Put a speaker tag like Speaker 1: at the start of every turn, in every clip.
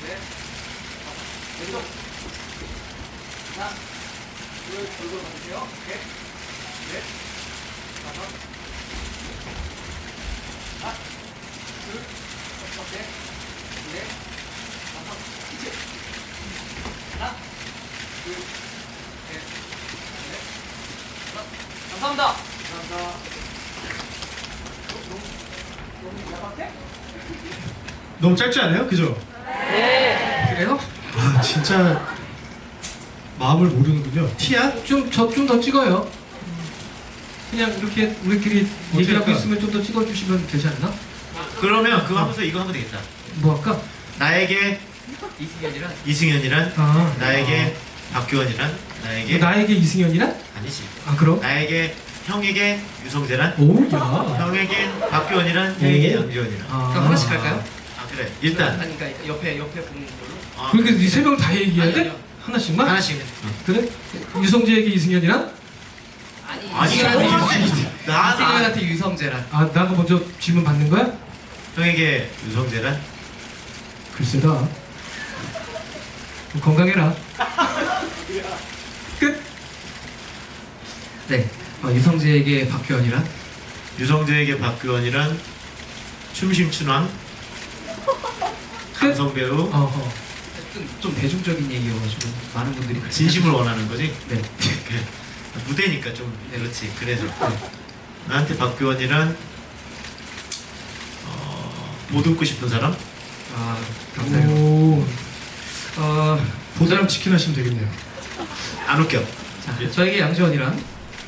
Speaker 1: 넷, 왼쪽. 하나, 둘, 얼굴 맞으세요. 오케이. 넷, 다섯. 하나, 둘, 셋, 넷, 다섯. 그치? 하나, 둘, 셋, 넷, 다섯. 감사합니다. 감사합니다. 너무 야박해?
Speaker 2: 너무 짧지 않아요? 그죠?
Speaker 1: 그래요?
Speaker 2: 아 진짜 마음을 모르는군요. 티야?
Speaker 3: 좀 더 찍어요. 그냥 이렇게 우리끼리 얘기하고
Speaker 2: 할까?
Speaker 3: 있으면 좀 더 찍어주시면 되지 않나?
Speaker 4: 그러면 그거 하면서 이거 하면 되겠다.
Speaker 3: 뭐 할까?
Speaker 4: 나에게
Speaker 1: 이승현이랑
Speaker 4: 이승현이란,
Speaker 3: 아,
Speaker 4: 나에게 박규원이란, 나에게
Speaker 3: 나에게 이승현이란?
Speaker 4: 아니지.
Speaker 3: 아 그럼?
Speaker 4: 나에게 형에게 유성재란,
Speaker 3: 오야.
Speaker 4: 형에게 박규원이란, 형에게 양지원이란.
Speaker 3: 아,
Speaker 1: 그럼 하나씩 할까요?
Speaker 4: 아 그래. 일단
Speaker 1: 아니 그러니까 옆에 보는 걸로.
Speaker 4: 어,
Speaker 3: 그렇게 네 명 다 얘기해야 돼?
Speaker 1: 아니요.
Speaker 3: 하나씩만?
Speaker 4: 하나씩.
Speaker 3: 그래? 유성재에게 이승현이란?
Speaker 1: 아니
Speaker 4: 아니
Speaker 1: 이승현한테
Speaker 4: 나
Speaker 1: 이승현한테 유성재란.
Speaker 3: 아 나가 먼저 질문 받는 거야?
Speaker 4: 형에게 유성재란,
Speaker 3: 글쎄다. 건강해라. 끝.
Speaker 1: 네. 유성재에게 박규현이란?
Speaker 4: 유성재에게 박규원이란, 춤심춘왕, 감성 배우,
Speaker 3: 어허.
Speaker 1: 좀 대중적인 얘기여가지고 많은 분들이 그렇게
Speaker 4: 진심을 원하는 거지.
Speaker 1: 네.
Speaker 4: 그래. 무대니까 좀 그렇지. 그래서 나한테 박규원이란 보듬고 싶은 사람,
Speaker 1: 아 감사해요.
Speaker 3: 오.
Speaker 2: 보드람 치킨 하시면 되겠네요.
Speaker 4: 안 웃겨.
Speaker 1: 자, 저에게 양지원이란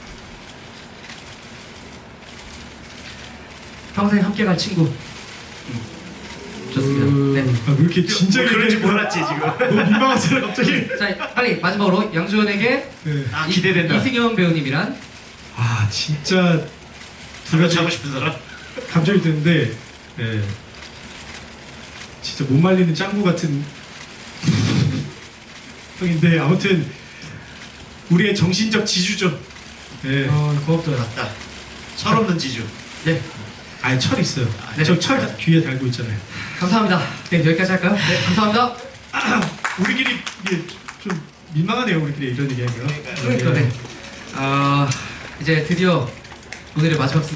Speaker 1: 평생 함께 갈 친구. 좋습니다. 네.
Speaker 2: 아, 왜 이렇게 진작에
Speaker 4: 그럴 줄
Speaker 2: 얘기했나?
Speaker 4: 몰랐지 지금.
Speaker 2: 너무 민망하잖아 갑자기.
Speaker 1: 자 빨리 마지막으로 양지원에게
Speaker 2: 네.
Speaker 4: 아 기대된다.
Speaker 1: 이승현 배우님이란
Speaker 2: 아 진짜
Speaker 4: 둘다 차고 싶은 사람.
Speaker 2: 감정이 드는데 네. 진짜 못 말리는 짱구 같은 형인데 아무튼 우리의 정신적 지주죠. 네.
Speaker 3: 고맙다.
Speaker 4: 맞다. 철없는 지주.
Speaker 1: 네.
Speaker 2: 아예 철 있어요.
Speaker 4: 네.
Speaker 2: 저 철 뒤에 달고 있잖아요.
Speaker 1: 감사합니다. 네 여기까지 할까요? 네 감사합니다.
Speaker 2: 우리끼리 이게 좀 민망하네요. 우리끼리 이런 얘기하니까.
Speaker 1: 그러니까 네. 이제 드디어 오늘의 마지막